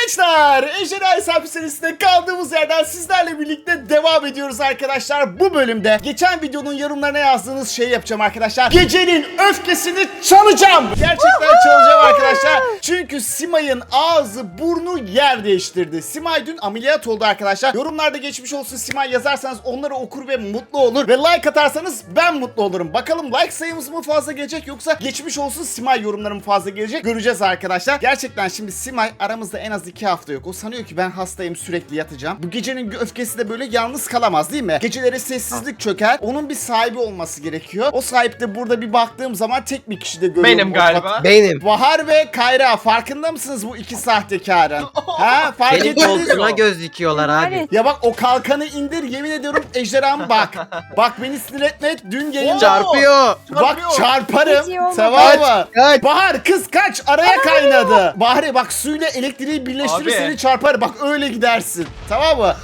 Gençler, Ejderha Hesabı serisinde kaldığımız yerden sizlerle birlikte devam ediyoruz arkadaşlar. Bu bölümde geçen videonun yorumlarına yazdığınız şeyi yapacağım arkadaşlar. Gecenin öfkesini çalacağım. Gerçekten çalacağım arkadaşlar. Çünkü Simay'ın ağzı burnu yer değiştirdi. Simay dün ameliyat oldu arkadaşlar. Yorumlarda geçmiş olsun Simay yazarsanız onları okur ve mutlu olur. Ve like atarsanız ben mutlu olurum. Bakalım like sayımız mı fazla gelecek yoksa geçmiş olsun Simay yorumları mı fazla gelecek? Göreceğiz arkadaşlar. Gerçekten şimdi Simay aramızda en az 2 hafta yok. O sanıyor ki ben hastayım, sürekli yatacağım. Bu gecenin öfkesi de böyle yalnız kalamaz değil mi? Geceleri sessizlik çöker. Onun bir sahibi olması gerekiyor. O sahip de burada bir baktığım zaman tek bir kişi de görüyorum. Benim galiba. Benim. Bahar ve Kayra, farkında mısınız bu iki sahtekarın? Ha, fark Benim ettiniz koltuğuma mi? göz dikiyorlar abi. Evet. Ya bak, o kalkanı indir, yemin ediyorum ejderham bak. Bak beni sinir etme, dün yayında. Çarpıyor. Bak çarparım. Hiç iyi olmadı. Tamam mı? Kaç. Bahar kız kaç, araya kaynadı. Bahar bak, suyla elektriği birleştirir Abi. seni çarpar. Bak öyle gidersin. Tamam mı?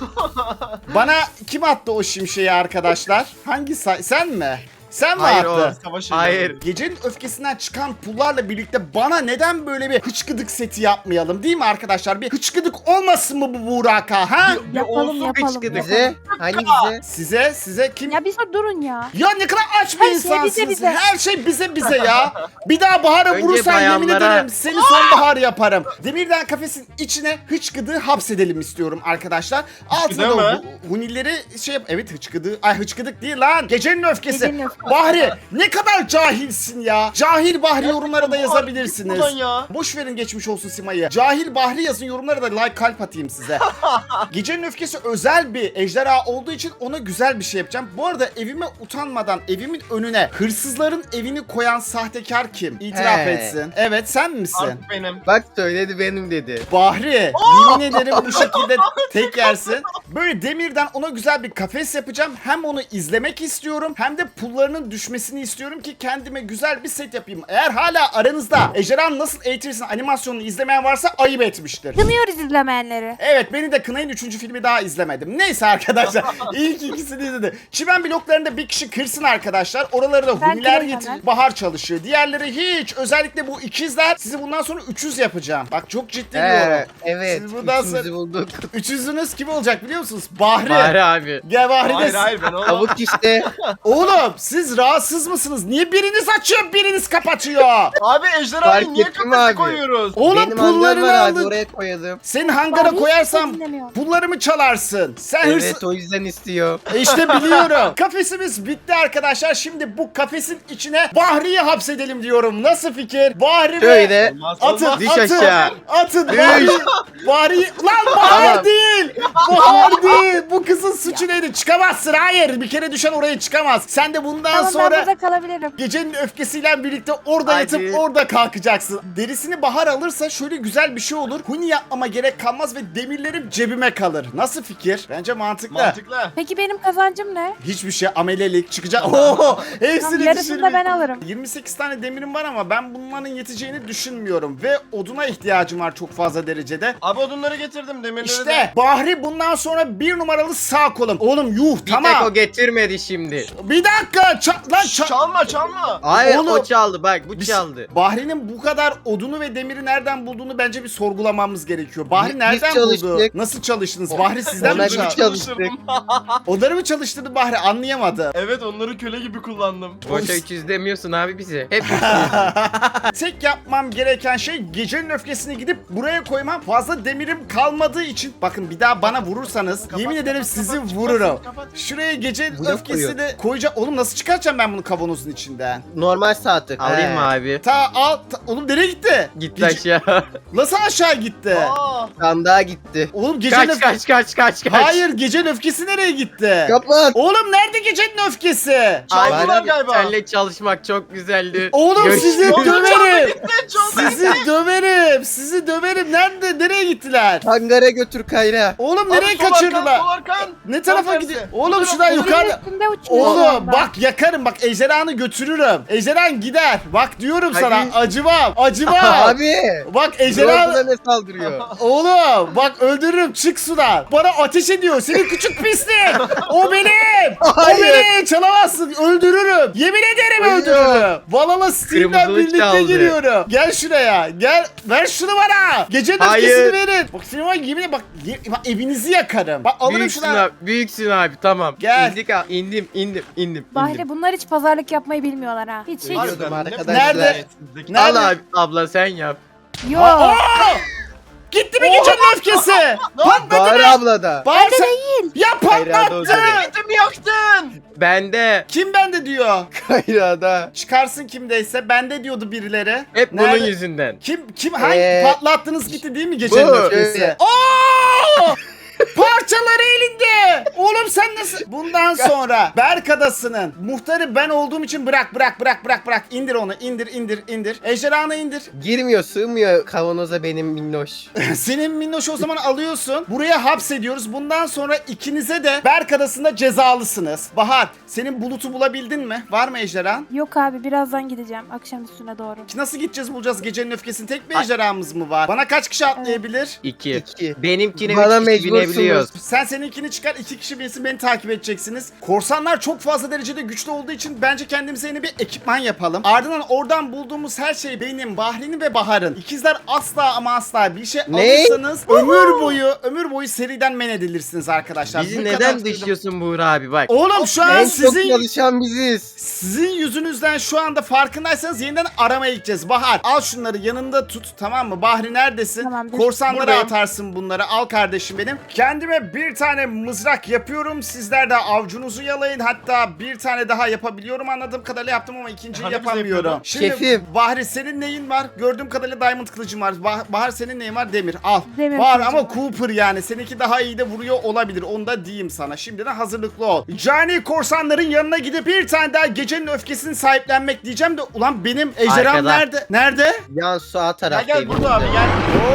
Bana kim attı o şimşeği arkadaşlar? Hangi sen mi? Sen mi Hayır, attın? Hayır. Gecenin öfkesinden çıkan pullarla birlikte bana neden böyle bir hıçkıdık seti yapmayalım, değil mi arkadaşlar? Bir hıçkıdık olmasın mı bu Buraka, ha? Yapalım yapalım. Bize? Hangi bize? Size kim? Ya bir durun ya. Ya ne kadar aç bir Her şey insansınız. bize. Her şey bize ya. Bir daha Bahar'a Önce vurursan yemin bayanlara. ederim seni sonbahar yaparım. Demirden kafesin içine hıçkıdığı hapsedelim istiyorum arkadaşlar. Altına da mı? hunileri şey yap. Evet, hıçkıdığı. Ay, hıçkıdık değil lan. Gecenin öfkesi. Gecenin öfkesi. Bahri ne kadar cahilsin ya. Cahil Bahri yorumlara da yazabilirsiniz. Buradan ya. Boş verin geçmiş olsun Simay'ı. Cahil Bahri yazın yorumlara da, like kalp atayım size. Gecenin öfkesi özel bir ejderha olduğu için ona güzel bir şey yapacağım. Bu arada evime utanmadan evimin önüne hırsızların evini koyan sahtekar kim? İtiraf He. etsin. Evet, sen misin? Artık benim. Bak söyledi benim dedi. Bahri, yemin ederim bu şekilde tek yersin. Böyle demirden ona güzel bir kafes yapacağım. Hem onu izlemek istiyorum hem de pullarının düşmesini istiyorum ki kendime güzel bir set yapayım. Eğer hala aranızda ejderhanı nasıl eğitirsin animasyonunu izlemeyen varsa ayıp etmiştir. Kınıyoruz izlemeyenleri. Evet, beni de kınayın, 3. filmi daha izlemedim. Neyse arkadaşlar, ilk ikisini izledim. Çimen bloklarında bir kişi kırsın arkadaşlar. Oraları da Ben huniler kırarım getir. hemen. Bahar çalışıyor. Diğerleri hiç. Özellikle bu ikizler. Sizi bundan sonra 300 yapacağım. Bak çok ciddi diyorum. Evet. Siz buradan Üçümüzü bulduk. 300'ünüz kim olacak biliyor musunuz? Bahri. Bari abi. Gel Bahri de. Hayır ben olamam. Tavuk işte. Oğlum siz rahatsız mısınız? Niye biriniz açıyor biriniz kapatıyor? Abi ejderhayı Fark niye ettim kafese abi. koyuyoruz? Oğlum Benim hangar pullarını var abi, alın. oraya koyalım. Senin hangara Hiç koyarsam dinlemiyorum. pullarımı çalarsın. Sen hırsız... Evet, o yüzden istiyor. İşte biliyorum. Kafesimiz bitti arkadaşlar. Şimdi bu kafesin içine Bahri'yi hapsedelim diyorum. Nasıl fikir? Bahri ve... Şöyle. Olmaz, Atın, olmaz. Düş atın, aşağı. atın. Düş. Bahri... Lan Bahar Tamam. değil. Bahar değil. Bu kızın suçu neydi? Çıkamazsın. Hayır. Bir kere düşen oraya çıkamaz. Sen de bundan Tamam, ben sonra... burada kalabilirim. Gecenin öfkesiyle birlikte orada Hadi. yatıp orada kalkacaksın. Derisini Bahar alırsa şöyle güzel bir şey olur. Huni yapmama gerek kalmaz ve demirlerim cebime kalır. Nasıl fikir? Bence mantıklı. Mantıklı. Peki benim kazancım ne? Hiçbir şey, amelelik çıkacak. Oo, Tamam, hepsini yarısını da ben alırım. 28 tane demirim var ama ben bunların yeteceğini düşünmüyorum. Ve oduna ihtiyacım var çok fazla derecede. Abi odunları getirdim, demirleri İşte de. Bahri bundan sonra 1 numaralı sağ kolum. Oğlum yuh, Bir tek tamam. o getirmedi şimdi. Bir dakika. Çalma çalma. Hayır, Oğlum. o çaldı bak, bu Biz- çaldı. Bahri'nin bu kadar odunu ve demiri nereden bulduğunu bence bir sorgulamamız gerekiyor. Bahri Biz nereden buldu? çalıştık. Nasıl çalıştınız? Bahri sizden Ona mi bir çaldı? çalıştık. Odanı mı çalıştırdı Bahri? Anlayamadım. Evet, onları köle gibi kullandım. Boşa 300 demiyorsun abi bize. Hep Tek yapmam gereken şey gecenin öfkesini gidip buraya koymam. Fazla demirim kalmadığı için. Bakın bir daha bana vurursanız Kapat, yemin kapat, ederim kapat, sizi kapat, vururum. kapat. Şuraya gecenin Blok öfkesini koyacağım. Oğlum nasıl çıkartacağım ben bunu kavanozun içinden? normal saati. Alayım mı abi? Oğlum nereye gitti? Gitti aşağı. Nasıl aşağı gitti? Aa, Sandığa gitti. Oğlum gecenin Kaç. Hayır, gecenin öfkesi nereye gitti? Kapat. Oğlum nerede gecenin öfkesi? çaldılar Abi, galiba. Seninle çalışmak çok güzeldi. Oğlum sizi Görüşürüz. döverim. Çaldı. Sizi döverim. Sizi döverim. Nereye gittiler? Hangara götür Kayra. Oğlum Oğlum nereye Abi, sol kaçırdılar? arkan, sol arkan. Ne tarafa Tam gidiyor? tersi. Oğlum Bu şuradan tarafa. yukarı. Üstünde uçuyor şu Oğlum anda. bak yakarım bak ejderhanı götürürüm. Ejderhan gider. Bak diyorum Hadi. sana acımam acımam. Abi. Bak Ejderha ejderhan. ne saldırıyor? Oğlum bak öldürürüm çık sudan. Bana ateş ediyor senin küçük pislik. O benim. O Hayır. benim çalamazsın öldürürüm. Yemin ederim Hayır. öldürürüm. Valhalla Steam'den Kırmızılık birlikte çaldı. giriyorum. Gel şuraya gel ver şunu bana. Gecenin Hayır. öfkesini verin. Bak senin var yemin bak, bak evinizi yakarım. Bak alırım Büyüksün şuna. abi. Büyüksün abi tamam. Gel. İndik abi. İndim. Bahri bunlar hiç pazarlık yapmayı bilmiyorlar ha. Hiç. Biliyordum Harbiden, arkadaşlar. Nerede? Zeki. Nerede? Al abi abla sen yap. Yok. Aa! Gitti mi gecenin öfkesi? Patladı Bahar mı? abla da. Bahar sen... değil. Ya Hayır, hadi o patlattı. zaman. Gittim yaktın. Bende. Kim bende diyor? Kayra'da. Çıkarsın kimdeyse bende diyordu birileri. Hep bunun Nerede? yüzünden. Kim hangi patlattınız gitti değil mi gecenin Bu. öfkesi? Evet. Oo! Parçaları elinde. Oğlum sen nasıl? Bundan sonra Berk Adası'nın muhtarı ben olduğum için bırak. İndir onu indir. Ejderhanı indir. Girmiyor, sığmıyor kavanoza benim minnoş. Senin minnoş o zaman alıyorsun. Buraya hapsediyoruz. Bundan sonra ikinize de Berk Adası'nda cezalısınız. Bahar senin bulutu bulabildin mi? Var mı ejderhan? Yok abi birazdan gideceğim akşam üstüne doğru. Nasıl gideceğiz bulacağız gecenin öfkesini? Tek bir ejderhamız mı var? Bana kaç kişi atlayabilir? 2. İki. Benimkine Bana 3 kişi mecbursunuz. binebiliyoruz. Sen seninkini çıkar 2 kişi binsin beni takip edeceksiniz. Korsanlar çok fazla derecede güçlü olduğu için bence kendimize yeni bir ekipman yapalım. Ardından oradan bulduğumuz her şey benim, Bahri'nin ve Bahar'ın. İkizler asla ama asla bir şey Ne? alırsanız ömür boyu seriden men edilirsiniz arkadaşlar. Bizi Bu neden kadar- dışlıyorsun Buğra abi bak. Oğlum şu an En çok sizin çalışan biziz. sizin yüzünüzden şu anda farkındaysanız yeniden aramaya gideceğiz. Bahar al şunları yanında tut tamam mı? Bahri neredesin? Tamamdır. Korsanlara Buradayım. atarsın bunları. Al kardeşim benim. Kendime bir tane mızrak yapıyorum. Sizler de avcunuzu yalayın. Hatta bir tane daha yapabiliyorum. Anladığım kadarıyla yaptım ama ikinciyi Hani bize yapamıyorum. yapıyordun? Şimdi Şefim. Bahri senin neyin var? Gördüğüm kadarıyla diamond kılıcım var. Bahar senin neyin var? Demir. Al. Demir var kılıcım ama var. Cooper yani. Seninki daha iyi de vuruyor olabilir. Onu da diyeyim sana. Şimdiden hazırlıklı ol. Cani korsanların yanına gidip bir tane daha gecenin öfkesini sahiplenmek diyeceğim de ulan benim ejderham Arkada. nerede? Nerede? Yan sağ Gel taraftayım. gel burada abi gel.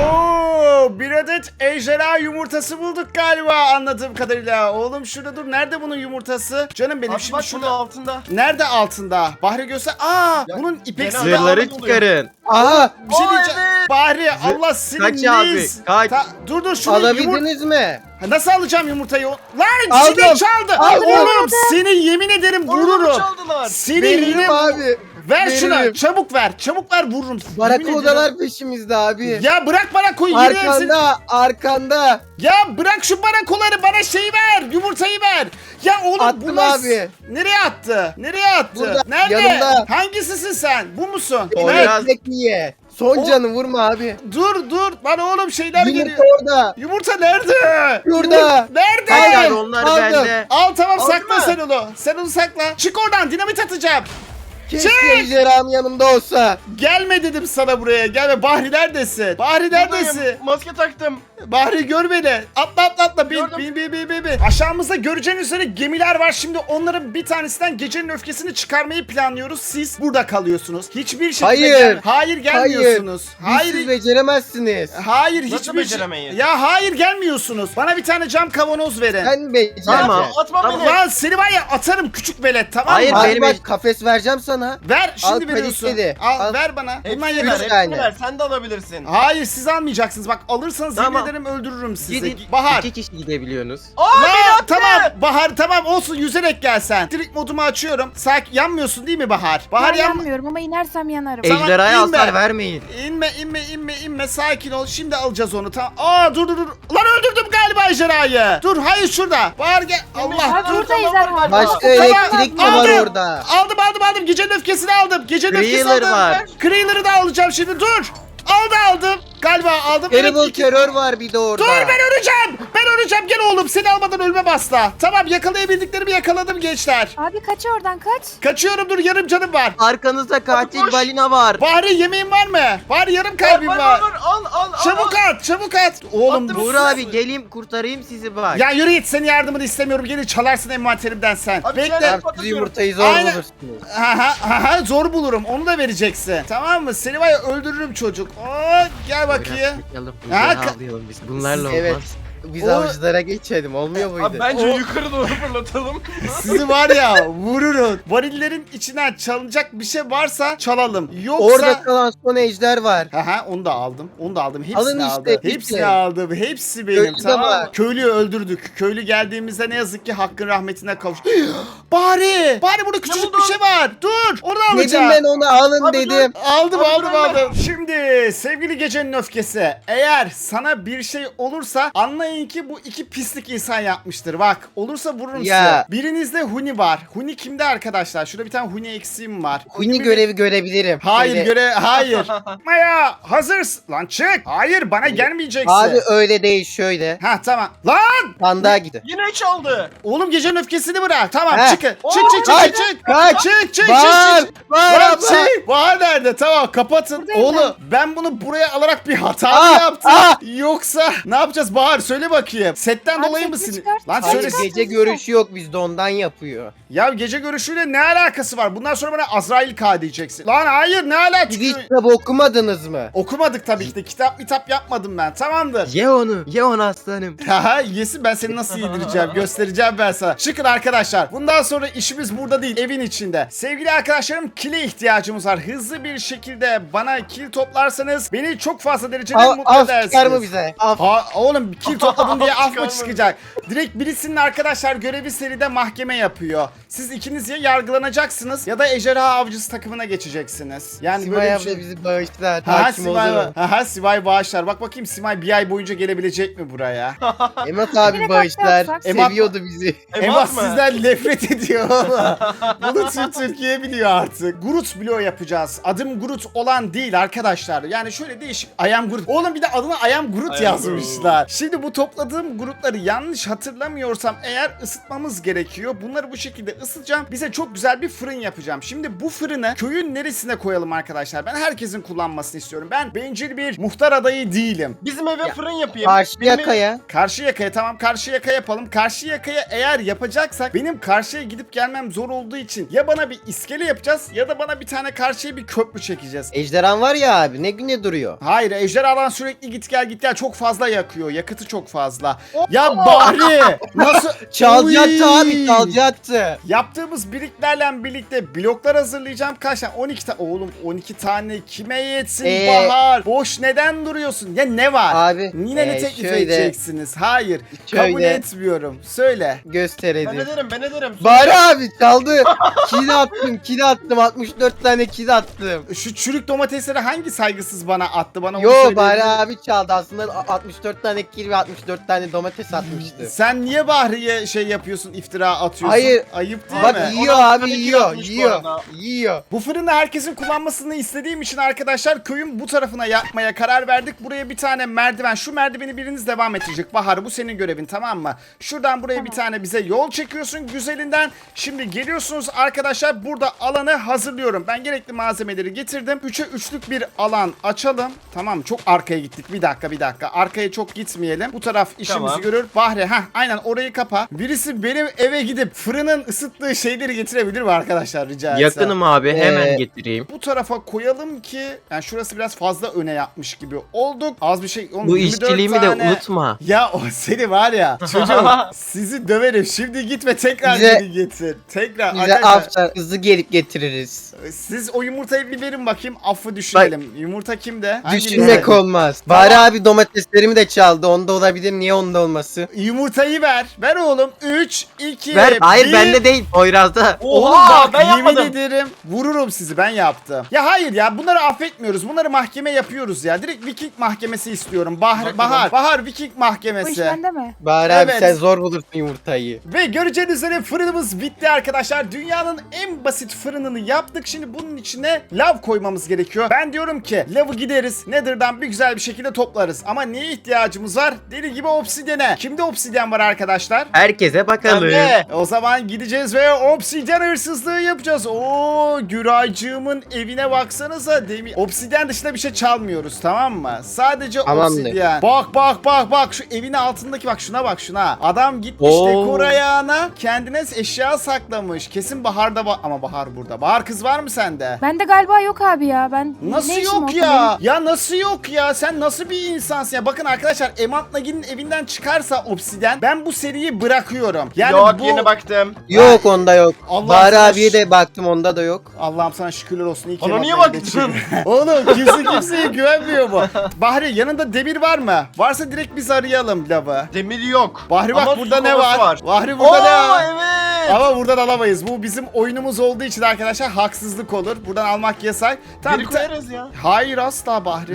Oo, bir adet ejderha yumurtası bulduk galiba anladığım kadarıyla. Oğlum şurada dur. Nerede bunun yumurtası? Canım benim Abi şimdi bak şurada şurada. altında. Nerede altında? Bahri göster. Aa, bunun ipek genelde silahı. Zırhları Ahmet oluyor. çıkarın. Aha, Bir şey Aa, diyeceğim. evet. Bahri Allah senin Kaç abi, neyiz? kaç. Dur şunu yumurta. alabildiniz mi? Nasıl alacağım yumurtayı? Lan Aldım. çilek çaldı. Aldım. Oğlum seni yemin ederim Onu da mı vururum. çaldılar? Seni Veririm yine abi. ver şunu. veririm. Çabuk ver. Çabuk ver vururum. Yemin Barakudalar ederim. peşimizde abi. Ya bırak bana koy. Yine hepsini. Arkanda. Ya bırak şu barakoları bana şeyi ver. Yumurtayı ver. Ya oğlum Attım bu nasıl? abi. Nereye attı? Nereye attı? Burada, Nerede? yanımda. Hangisisin sen? Bu musun? O Ver. biraz- Ekmek ye. Son O- canı vurma abi. Dur. Lan oğlum şeyler Yumurta geliyor. orada. Yumurta nerede? Şurada. Nerede? Hayır Aldım, onlar aldım. bende. Al tamam Aldın sakla mı? sen onu. Sen onu sakla. Çık oradan dinamit atacağım. Keşke Çek. ejderham yanımda olsa. Gelme dedim sana buraya. Gelme. Bahri neredesin? Bahri neredesin? Buradayım, maske taktım. Bahri gör beni. Atla. Bin. Gördüm. Aşağımızda göreceğin üzere gemiler var. Şimdi onların bir tanesinden gecenin öfkesini çıkarmayı planlıyoruz. Siz burada kalıyorsunuz. Hiçbir şekilde Hayır. Hayır gelmiyorsunuz. Hayır. Siz beceremezsiniz. Hayır Nasıl hiçbir şey. beceremeyiz? Ya hayır gelmiyorsunuz. Bana bir tane cam kavanoz verin. Sen becereceksin. Tamam. Atma Tamam, beni. lan seni var ya atarım küçük velet tamam Hayır, mı? Abi benim bak kafes vereceğim sana. Ver şimdi Al, veriyorsun. kaliteli. Al, Al. ver bana. Hepsini Bundan ver, yeter. Üç tane. hepsini ver. Sen de alabilirsin. Hayır siz almayacaksınız. Bak alırsanız Tamam. yemin ederim öldürürüm sizi. Gidin. Bahar. 2 kişi gidebiliyorsunuz. Aa beni La, attı. tamam Bahar tamam olsun yüzerek gelsen. Direkt modumu açıyorum. Sakin yanmıyorsun değil mi Bahar? Bahar Ben yan. yanmıyorum ama inersem yanarım. Tamam, Ejderhaya inme. hasar vermeyin. İnme sakin ol. Şimdi alacağız onu tamam. Aa dur. Lan öldürdüm galiba ejderhayı. Dur hayır şurada. Bahar gel. Allah Abi dur. burada tamam, ejderha. Başka Tamam, elektrik de var aldım. orada. Aldım. Gecenin öfkesini aldım. Gecenin öfkesini Creeler aldım. var. Creeler'ı da alacağım şimdi dur. Aldım. Galiba aldım. Terrible Evet, terör var bir de orada. Dur ben öleceğim. Gel oğlum seni almadan ölmem asla. Tamam yakalayabildiklerimi yakaladım gençler. Abi kaç oradan kaç. Kaçıyorum dur yarım canım var. Arkanızda katil koş. balina var. Bari yemeğin var mı? Bari yarım kalbim var. Al. Çabuk at. Oğlum Attım. bu... Buğra abi geleyim kurtarayım sizi bak. Ya yürü git senin yardımını istemiyorum. Gelir çalarsın envanterimden sen. Abi Bekle. sen- Siz yumurtayı zor Aynen. bulursunuz. Aha, zor bulurum. Onu da vereceksin. Tamam mı? Seni var ya öldürürüm çocuk. Oo, gel bakayım. Biraz bakalım. Ha, Ejderha alayalım biz. Bunlarla Evet. olmaz. Biz O- avcılara geçelim. Olmuyor muydu? Abi bence O- yukarı doğru fırlatalım. Sizi var ya vururun. Varillerin içinden çalınacak bir şey varsa çalalım. Yoksa... Orada kalan son ejder var. Aha onu da aldım. Onu da aldım. Hepsini Alın işte, aldım. bitti. Hepsini aldım. Hepsi benim. Köylü de Tamam mı? var. Köylüyü öldürdük. Köylü geldiğimizde ne yazık ki hakkın rahmetine kavuştu. Bari! Bari burada küçücük bir buldun? şey var. Dur! Onu Dedim alacağım. ben onu alın Abi dedim. Aldım Abi aldım ben- aldım. Şimdi sevgili gecenin öfkesi. Eğer sana bir şey olursa anlayın ki bu iki pislik insan yapmıştır. Bak olursa vururum Ya. size. Birinizde Huni var. Huni kimde arkadaşlar? Şurada bir tane Huni eksiğim var. Huni görevi görebilirim. Hayır Şöyle- hayır. Maya hazırsın. Lan çık. Hayır bana gelmeyeceksin. Abi öyle değil şöyle. Ha tamam. Lan! Sandığa gidin. Yine çaldı. Oğlum gecenin öfkesini bırak. Tamam Heh. çıkın. Oo, Çık. kaç, Çık. Var. Var Lan abla. çık. Bahar nerede? Tamam kapatın. Buradayım Oğlum ben bunu buraya alarak bir hata mı Aa, yaptım? aa. Yoksa ne yapacağız Bahar? Söyle bakayım. Setten Abi dolayı setini mısın? çıkart. Lan Hayır, söyle. çıkart. Gece görüşü yok bizde ondan yapıyor. Ya gece görüşüyle ne alakası var? Bundan sonra bana Azrail K diyeceksin. Lan hayır ne alakası? Siz hiç kitap okumadınız mı? Okumadık tabii ki de. Kitap yapmadım ben. Tamamdır. Ye onu. Ye onu aslanım. Haha yesin ben seni nasıl yedireceğim göstereceğim ben sana. Çıkın arkadaşlar. Bundan sonra işimiz burada değil evin içinde. Sevgili arkadaşlarım kile ihtiyacımız var. Hızlı bir şekilde bana kil toplarsanız beni çok fazla derecede mutlu Af edersiniz. çıkar mı bize? Af. Ha, oğlum kil topladın diye af mı Çıkarmadı. çıkacak? Direkt birisinin arkadaşlar görevi seride mahkeme yapıyor. Siz ikiniz ya yargılanacaksınız ya da ejderha avcısı takımına geçeceksiniz. Yani Simay böyle bir abla şey. bizi bağışlar. Ha Hakim Simay, olurum. Simay bağışlar. Bak bakayım Simay bir ay boyunca gelebilecek mi buraya? Emat abi Direkt bağışlar. atlarsak. Seviyordu bizi. Emas mı? sizden nefret ediyor oğlum. Bunu tüm Türkiye biliyor artık. Groot bloğu yapacağız. Adım Groot olan değil arkadaşlar. Yani şöyle değişik. I am Groot. Oğlum bir de adına I am Groot I am yazmışlar. Şimdi bu topladığım Groot'ları yanlış hatırlamıyorsam eğer ısıtmamız gerekiyor. Bunları bu şekilde ısıtacağım. Bize çok güzel bir fırın yapacağım. Şimdi bu fırını köyün neresine koyalım arkadaşlar? Ben herkesin kullanmasını istiyorum. Ben bencil bir muhtar adayı değilim. Bizim eve fırın yapayım. Karşı Benim- yakaya. Karşı yakaya tamam karşı yaka yapalım. Karşı yakaya eğer yapacaksak benim karşıya gidip gelmem zor olduğu için ya bana bir iskele yapacağız ya da bana bir tane karşıya bir köprü çekeceğiz. Ejderhan var ya abi ne güne duruyor. Hayır ejderhadan sürekli git gel çok fazla yakıyor. Yakıtı çok fazla. Ya Bahri nasıl? Çalacaktı Oy! abi çalacaktı. Yaptığımız birliklerle birlikte bloklar hazırlayacağım. Kaç tane? 12 tane. Oğlum 12 tane kime yetsin Bahar? Boş neden duruyorsun? Ya ne var? Abi, Yine ne teklif şöyle- edeceksiniz? Hayır. Şöyle- Kabul etmiyorum. Söyle. Gösterelim. Ben ederim. Bari abi çaldı. Kil attım 64 tane kil attım. Şu çürük domatesleri hangi saygısız bana attı? Bana onu Yo söyleyebilir Bari misin? abi çaldı aslında 64 tane kil ve 64 tane domates atmıştı. Sen niye Bahri'ye şey yapıyorsun, iftira atıyorsun? Hayır. Ayıp değil Bak mi? yiyor 16 abi tane kil yiyor atmış bu yiyor arada. yiyor. Bu fırını herkesin kullanmasını istediğim için arkadaşlar köyün bu tarafına yapmaya karar verdik. Buraya bir tane merdiven. Şu merdiveni biriniz devam ettirecek. Bahar bu senin görevin tamam mı? Şuradan buraya bir tane bize yol çekiyorsun güzelinden. Şimdi geliyorsunuz arkadaşlar burada alanı hazırlıyorum. Ben gerekli malzemeleri getirdim. 3'e 3'lük bir alan açalım. Tamam mı? Çok arkaya gittik. Bir dakika. Arkaya çok gitmeyelim. Bu taraf işimizi Tamam. görür. Bahri aynen orayı kapa. Birisi benim eve gidip fırının ısıttığı şeyleri getirebilir mi arkadaşlar rica etsem? Yakınım abi hemen getireyim. Bu tarafa koyalım ki yani şurası biraz fazla öne yapmış gibi olduk. Az bir şey. Oğlum, Bu 24 işçiliğimi tane. de unutma. Ya o seni var ya çocuğum sizi döverim. Şimdi git ve tekrar Bize- geri getir. Tekrar Bize arkadaşlar. afça hızlı gelip getiririz. Siz o yumurtayı bir verin bakayım. Affı düşünelim. Yumurta kimde? Hanginizde? Düşünmek olmaz. Bari abi domateslerimi de çaldı. Onda olabilir. Niye onda olması? Yumurtayı ver. Ver oğlum. 3, 2, Ver. Hayır 1. bende değil. Poyraz'da. Oğlum Oha bak ben yemin yapmadım. ederim vururum sizi ben yaptım. Ya hayır ya bunları affetmiyoruz. Bunları mahkeme yapıyoruz ya. Direkt Viking mahkemesi istiyorum. Bahar Viking Bu iş mahkemesi. bende mi? Bari abi Evet. sen zor bulursun yumurtayı. Ve göreceğiniz üzere fırınımız bitti arkadaşlar. Dünyanın en basit fırınını yaptık. Şimdi bunun içine lav koymamız gerekiyor. Ben diyorum ki lavı gideriz. Nether'dan bir güzel bir şekilde toplarız. Ama neye ihtiyacımız var? Deli gibi obsidiyene. Kimde obsidyen var arkadaşlar? Herkese bakalım. Bende. O zaman gideceğiz gideceğiz ve obsidyen hırsızlığı yapacağız. Oo, Güraycığımın evine baksanıza. Obsidyen dışında bir şey çalmıyoruz, tamam mı? Sadece Tamamdır. obsidyen. Bak şu evin altındaki, bak şuna bak şuna. Adam gitmiş Oo. dekor ayağına kendine eşya saklamış. Kesin Bahar'da ama Bahar burada. Bahar, kız var mı sende? Bende galiba yok abi ya. Ben Nasıl ne işim yok olsun ya? Ya nasıl yok ya? Sen nasıl bir insansın ya? Bakın arkadaşlar, Emant Nagi'nin evinden çıkarsa obsidyen, ben bu seriyi bırakıyorum. Yani Yok, bu... yeni baktım. Yok onda yok. Allah Bahar sana abiye de baktım, onda da yok. Allah'ım sana şükürler olsun. İyi ki Ona Emant niye Nagi'de baktın? çıkıyor. Oğlum kimseye güvenmiyor bu. Bahri, yanında demir var mı? Varsa direkt biz arayalım lavı. Demir yok. Bahri bak, Ama burada su ne kovası var? Bahri burada ne Oo, var? evet. Ama buradan alamayız. Bu bizim oyunumuz olduğu için arkadaşlar haksızlık olur. Buradan almak yasak. Tamam, Geri bir ta- koyarız ya. Hayır asla Bahri.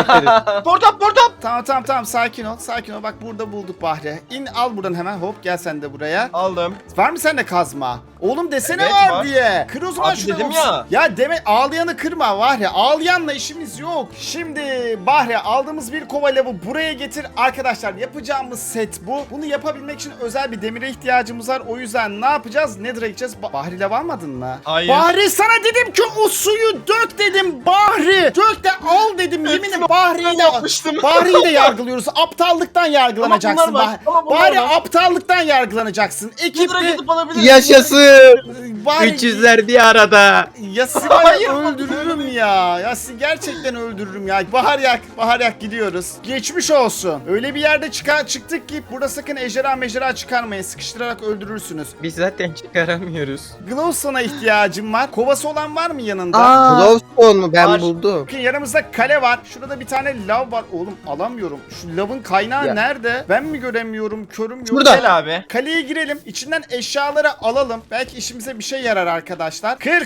Portap. Tamam sakin ol. Bak burada bulduk Bahri. İn, al buradan hemen, hop gel sen de buraya. Aldım. Var mı sende kazma? Oğlum desene Evet, var var. diye. Kır o zaman Abi şunu. dedim ya. Ya deme, ağlayanı kırma Bahri. Ağlayanla işimiz yok. Şimdi Bahri, aldığımız bir kova lavı buraya getir. Arkadaşlar yapacağımız set bu. Bunu yapabilmek için özel bir demire ihtiyacımız var. O yüzden ne yapacağız? Nether'a gideceğiz. Bahri lav almadın mı? Hayır. Bahri, sana dedim ki o suyu dök dedim Bahri. Dök de al dedim. Yeminim Bahri'yi de yapmıştım. Bahri'yi de yargılıyoruz. Aptallıktan yargılanacaksın. Ama bunlar var, ama bunlar Bahri, var. aptallıktan yargılanacaksın. Nedir'a Ekipte gidip alabiliriz. Yaşasın. Bahri, 300'ler bir arada. ya sizi var Hayır, ya öldürürüm ya. Ya sizi gerçekten öldürürüm ya. Bahar yak gidiyoruz. Geçmiş olsun. Öyle bir yerde çıktık ki burada sakın ejderha çıkarmayın. Sıkıştırarak öldürürsünüz. Biz zaten çıkaramıyoruz. Glowstone'a ihtiyacım var. Kovası olan var mı yanında? Glowstone mu? Ben Var. buldum. Bakın yanımızda kale var. Şurada bir tane lav var. Oğlum alamıyorum. Şu lavın kaynağı Ya. nerede? Ben mi göremiyorum? Körüm yok. Şurada. Gel abi. Kaleye girelim. İçinden eşyaları alalım. Belki işimize bir şey yarar arkadaşlar. Kır.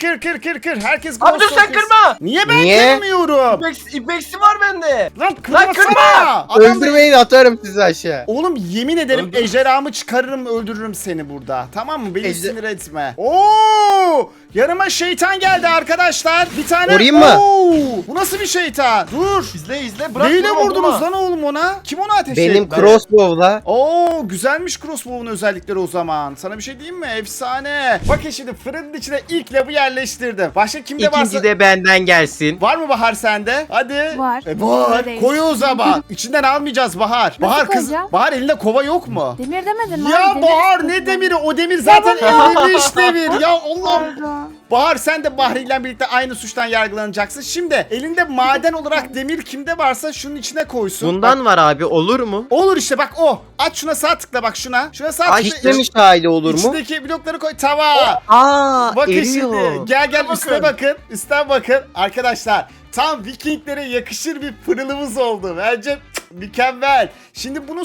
Herkes Abi dur, glowstone sen kırsın. kırma. Niye ben Niye? kırmıyorum? İpeksi var bende. Lan kırmasana. kırma! Öldürmeyin, atarım sizi aşağı. Oğlum yemin ederim Öldür. ejderhamı çıkarırım, öldürürüm seni burada. Tamam mı? Beni Ejder- sinir etme. Oo! Yanıma şeytan geldi arkadaşlar. Bir tane. Vurayım mı? Oo! Bu nasıl bir şeytan? Dur. İzle. Bırak. Neyle vurma, vurdunuz vurma. lan oğlum ona? Kim ona ateş Benim etti? crossbow'la. Oo, güzelmiş crossbow'un özellikleri o zaman. Sana bir şey diyeyim mi? Efsane. Bakın şimdi fırının içine ilk lavı yerleştirdim. Başka kimde varsa... İkinci de benden gelsin. Var mı Bahar sende? Hadi. Var. Var. Neredeyse. Koy o zaman. İçinden almayacağız Bahar. Bahar kız. koyacağım? Bahar, elinde kova yok mu? Demir demedin mi? Ya abi? Bahar, Demir ne istedim. demiri? O demir zaten erimiş demir. Ya Allah'ım. Pardon. Bahar, sen de Bahri ile birlikte aynı suçtan yargılanacaksın. Şimdi elinde maden olarak demir kimde varsa şunun içine koysun. Bundan var abi, olur mu? Olur işte, bak o. Aç şuna, sağ tıkla bak şuna. Şuna sağ tıkla. İşlemiş hali olur mu? İçindeki blokları koy. Tamam. Aa, Bakın eriyor. şimdi. Gel Bakın. üstüne bakın. Üstten bakın. Arkadaşlar tam Vikinglere yakışır bir pırılımız oldu. Bence mükemmel. Şimdi bunu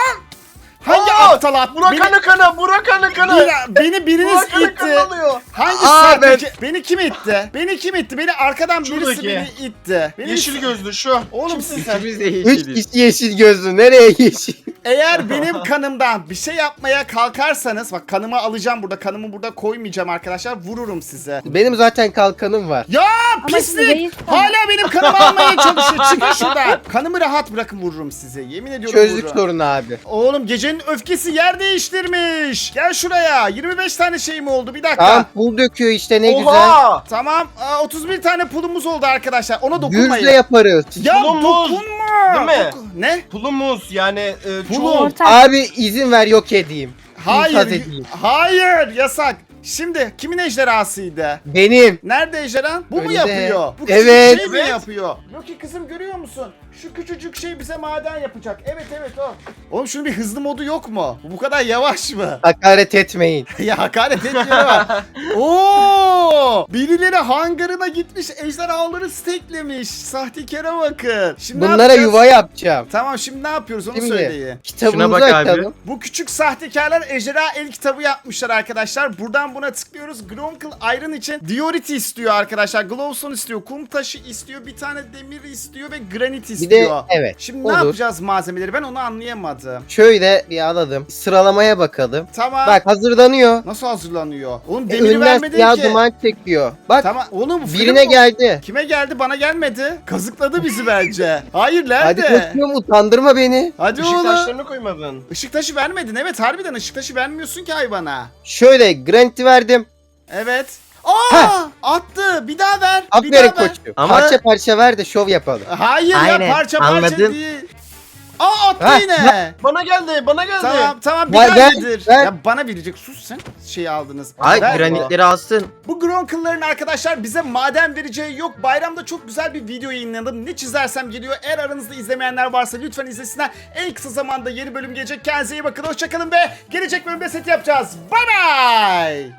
hangi Aa, aptal at? Burak kanı kanı. Beni biriniz Burak kanı itti. kanalıyor. Hangi Aa, sahte? Beni kim itti? Beni arkadan birisi Şuradaki. beni itti. Yeşil gözlü şu. Oğlum Kimsin sen? İkimiz de 3 yeşiliz. kişi yeşil gözlü. Nereye yeşil? Eğer benim kanımdan bir şey yapmaya kalkarsanız, bak kanımı alacağım burada. Kanımı burada koymayacağım arkadaşlar. Vururum size. Benim zaten kalkanım var. Ya Ama şimdi pislik! reis sana- Hala benim kanımı almaya çalışıyor. Çıkın şuradan. Kanımı rahat bırakın, vururum size. Yemin ediyorum Çözdük vururum. sorunu abi. Oğlum gecenin öfkesi yer değiştirmiş. Gel şuraya. 25 tane şeyim oldu. Bir dakika. Tamam, pul döküyor işte, ne güzel. Oha. Tamam. 31 tane pulumuz oldu arkadaşlar. Ona dokunmayın. Gürzle yaparız. Ya Pulumuz. dokunma. Değil mi? Ne? Pulumuz yani Pulum. çoğul. Ortak. Abi izin ver, yok edeyim. Hayır. İnfaz edeyim. Hayır. Yasak. Şimdi kimin ejderhasıydı? Benim. Nerede ejderhan? Bu mu Önde. yapıyor? Bu küçük Evet. şey mi Evet. yapıyor? Loki kızım, görüyor musun? Şu küçücük şey bize maden yapacak. Evet o. Oğlum şunun bir hızlı modu yok mu? Bu kadar yavaş mı? Hakaret etmeyin. Ya hakaret etmiyorum ama. Oo! Birileri hangarına gitmiş, ejderhaları steklemiş. Sahtekara bakın. Şimdi ne Bunlara yapacağız? yuva yapacağım. Tamam, şimdi ne yapıyoruz onu Şimdi. söyleyin. Kitabımızı bak abi. açalım. Bu küçük sahtekarlar ejderha el kitabı yapmışlar arkadaşlar. Buradan buna tıklıyoruz. Gronkle Iron için Diorite istiyor arkadaşlar. Glowstone istiyor. Kum taşı istiyor. Bir tane demir istiyor ve granit istiyor. diyor. evet. Şimdi olur. ne yapacağız malzemeleri? Ben onu anlayamadım. Şöyle bir alalım. Sıralamaya bakalım. Tamam. Bak hazırlanıyor. Nasıl hazırlanıyor? Oğlum demiri Önden vermedin siyah ki. duman çekiyor. Bak Tamam. Oğlum bu birine film bu. geldi. Kime geldi? Bana gelmedi. Kazıkladı bizi bence. Hayır Hadi nerede? koşuyorum utandırma beni. Hadi Işık oğlum. taşlarını koymadın. Işık taşı vermedin. Evet harbiden ışık taşı vermiyorsun ki hayvana. Şöyle Grant'i verdim. Evet. Aa! Attı. Bir daha ver. Bir Aferin daha ver. koçum. Ama- Parça parça ver de şov yapalım. Hayır ya Aynen, parça parça anladım. değil. Aa attı Ha, yine. Bana geldi, bana geldi. Tamam bir Ver, daha ver, yedir. ver. Ya bana verecek. Sus sen. Şeyi aldınız. Ay Ver. granitleri alsın. Bu Gronkle'ların arkadaşlar bize maden vereceği yok. Bayramda çok güzel bir video yayınladım. Ne çizersem geliyor. Eğer aranızda izlemeyenler varsa lütfen izlesinler. En kısa zamanda yeni bölüm gelecek. Kendinize iyi bakın. Hoşçakalın ve gelecek bölümde set yapacağız. Bye bye.